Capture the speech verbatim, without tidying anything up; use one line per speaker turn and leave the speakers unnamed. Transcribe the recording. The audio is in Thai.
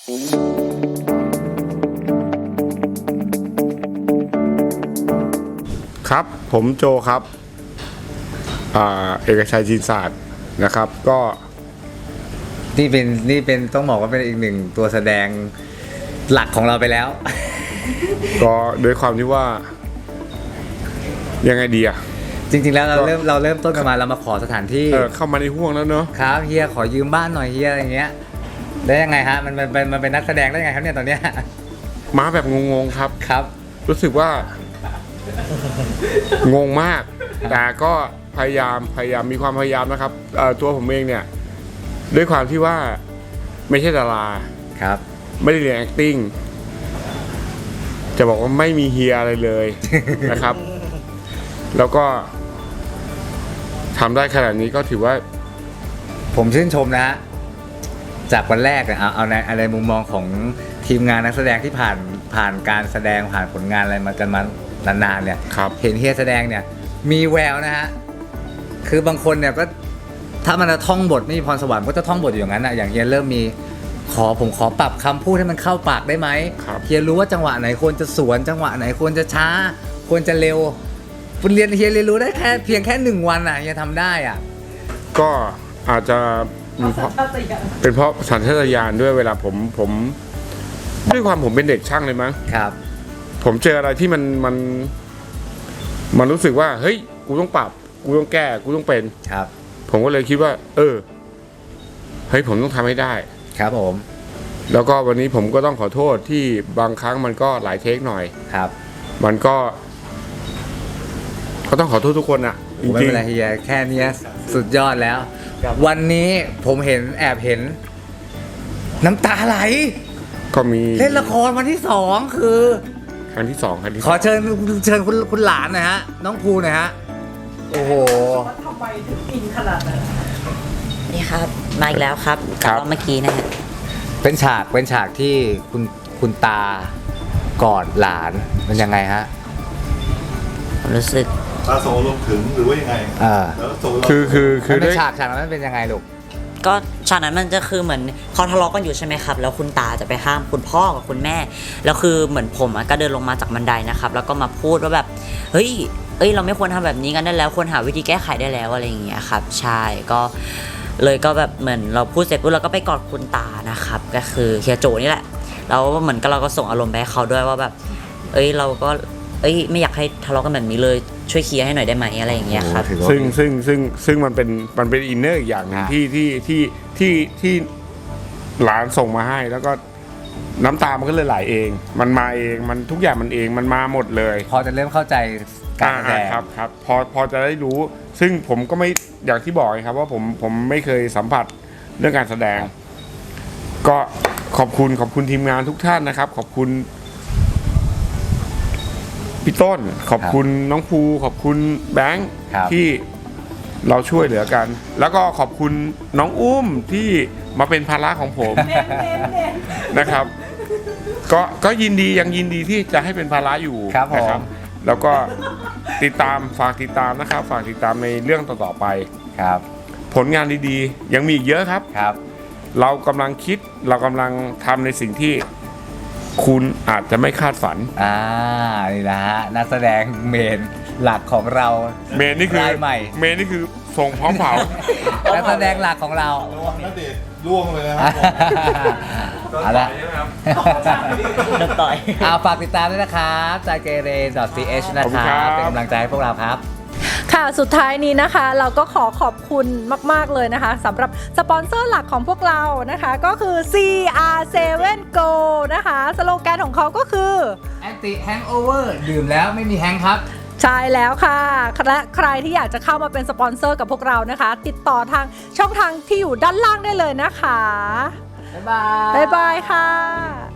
ครับผมโจครับอ่าเอกชัยจีนศาสตร์นะครับก็
นี่เป็นนี่เป็นต้องบอกว่าเป็นอีกหนึ่งตัวแสดงหลักของเราไปแล้ว
ก็ด้วยความที่ว่ายังไงดีอะ
จริงๆแล้วเราเริ่มเราเริ่มต้นกันมาเรามาขอสถานที่
เออเข้ามาในห่วงแล้วเนอะ
ครับเฮียขอยืมบ้านหน่อยเฮียอะไรเงี้ยได้ยังไงฮะมันมันมันมันเป็นนักแสดงได้ยังไงครับเนี่ยตอนเนี้ย
มาแบบงงๆครับ
ครับ
รู้สึกว่า งงมากแต่ก็พยายามพยายามมีความพยายามนะครับตัวผมเองเนี่ยด้วยความที่ว่าไม่ใช่ดารา
ครับ
ไม่ได้เรียน acting จะบอกว่าไม่มีเฮียอะไรเลย นะครับแล้วก็ทำได้ขนาดนี้ก็ถือว่า
ผมชื่นชมนะฮะจากวันแรกเนี่ยเอาเอาในอะไรมุมมองของทีมงานนักแสดงที่ผ่านผ่านการแสดงผ่านผลงานอะไรมากันมานานๆเนี่ยเห็นเฮียแสดงเนี่ยมีแววนะฮะคือบางคนเนี่ยก็ถ้ามันจะท่องบทไม่มีพรสวรรค์ก็จะท่องบทอยู่อย่างนั้นนะอย่างเฮียเริ่มมีขอผมขอปรับคำพูดให้มันเข้าปากได้ไหมเฮียรู้ว่าจังหวะไหนควรจะสวนจังหวะไหนควรจะช้าควรจะเร็วเรียนเฮียเรียนรู้ได้แค่เพียงแค่หนึ่งวันอ่ะเฮียทำได้อ่ะ
ก็อาจจะมีเพราะเป็นเพราะสัญชาตญาณด้วยเวลาผมผมด้วยความผมเป็นเด็กช่างเลยมั้ง
ครับ
ผมเจออะไรที่มันมันมันรู้สึกว่าเฮ้ยกูต้องปรับกูต้องแก้กูต้องเป็น
ครับ
ผมก็เลยคิดว่าเออเฮ้ยผมต้องทำให้ได้
ครับผม
แล้วก็วันนี้ผมก็ต้องขอโทษที่บางครั้งมันก็หลายเทคหน่อย
ครับ
มันก็ก็ต้องขอโทษทุกคนอ่ะ
จริงๆไม่เป็นไรเฮียแค่นี้สุดยอดแล้ววันนี้ผมเห็นแอบเห็นน้ำตาไหล
ก็มี
เล่นละครวันที่สองคือ
ครั้งที่สองครั้งที่
ขอเชิญเชิญคุณคุณหลานหน่อยฮะน้องภูหน่อยฮะโอ้โห
ทำไมถึงอินขนาดนั้น
นี่ครับมาอีกแล้วครับจากเมื่อกี้นะฮะ
เป็นฉากเป็นฉากที่คุณคุณตากอดหลานมันยังไงฮะ
รู้สึก
ตาส่งลมถึงหรือว่ายังไง
อ่า
คือคือคือ
ในฉากฉากนั้นเป็นยังไงลูก
ก็ฉากนั้นมันจะคือเหมือนเขาทะเลาะกันอยู่ใช่ไหมครับแล้วคุณตาจะไปห้ามคุณพ่อกับคุณแม่แล้วคือเหมือนผมก็เดินลงมาจากบันไดนะครับแล้วก็มาพูดว่าแบบเฮ้ยเอ้ยเราไม่ควรทำแบบนี้กันได้แล้วควรหาวิธีแก้ไขได้แล้วอะไรอย่างเงี้ยครับใช่ก็เลยก็แบบเหมือนเราพูดเสร็จปุ๊บเราก็ไปกอดคุณตานะครับก็คือเฮียโจนี่แหละแล้วเหมือนก็เราก็ส่งอารมณ์ไปให้เขาด้วยว่าแบบเอ้ยเราก็เอ้ยไม่อยากให้ทะเลาะกันแบบนี้เลยช่วยเคลียร์ให้หน่อยได้ไหมอะไรอย่างเงี้ยครับ
ซึ่งซึ่งซึ่งซึ่งมันเป็นมันเป็นอินเนอร์อย่างนึงที่ที่ที่ที่ที่หลานส่งมาให้แล้วก็น้ำตามันก็เลยไหลเองมันมาเองมันทุกอย่างมันเองมันมาหมดเลย
พอจะเริ่มเข้าใจการแสดง
ครับครับพอพอจะได้รู้ซึ่งผมก็ไม่อย่างที่บอกครับว่าผมผมไม่เคยสัมผัสเรื่องการแสดงก็ขอบคุณขอบคุณทีมงานทุกท่านนะครับขอบคุณพี่ต้นขอบคุณน้องภูขอบคุณแบงค์ที่เราช่วยเหลือกันแล้วก็ขอบคุณน้องอุ้มที่มาเป็นภาระของผมนะครับก็ก็ยินดียังยินดีที่จะให้เป็นภาระอยู่นะครับแล้วก็ติดตามฝากติดตามนะครับฝากติดตามในเรื่องต่อๆไป
ครับ
ผลงานดีๆยังมีอีกเยอะครับ
ครับ
เรากำลังคิดเรากำลังทำในสิ่งที่คุณอาจจะไม่คาดฝัน
อ่านี่นะฮะนักแสดงเมนหลักของเรา
เมนนี่คือ
ใหม่
เมนนี่คือส่งพร้อมเผา
นักแสดงหลักของเรา
ระวังนะเด็ดล่วงเลยนะครับ
เอาละ
โดนต่อย
เอาฝากติดตามด้วยนะครับจากเกเร .ch นะครับเป็นกำลังใจให้พวกเราครับ
ค่ะสุดท้ายนี้นะคะเราก็ขอขอบคุณมากๆเลยนะคะสำหรับสปอนเซอร์หลักของพวกเรานะคะก็คือ ซี อาร์ เซเว่น โก นะคะสโลแกนของเขาก็คือ
Anti Hangover ดื่มแล้วไม่มีแฮงครับ
ใช่แล้วค่ะและใครที่อยากจะเข้ามาเป็นสปอนเซอร์กับพวกเรานะคะติดต่อทางช่องทางที่อยู่ด้านล่างได้เลยนะคะ
บ๊ายบาย
บ๊ายบายค่ะ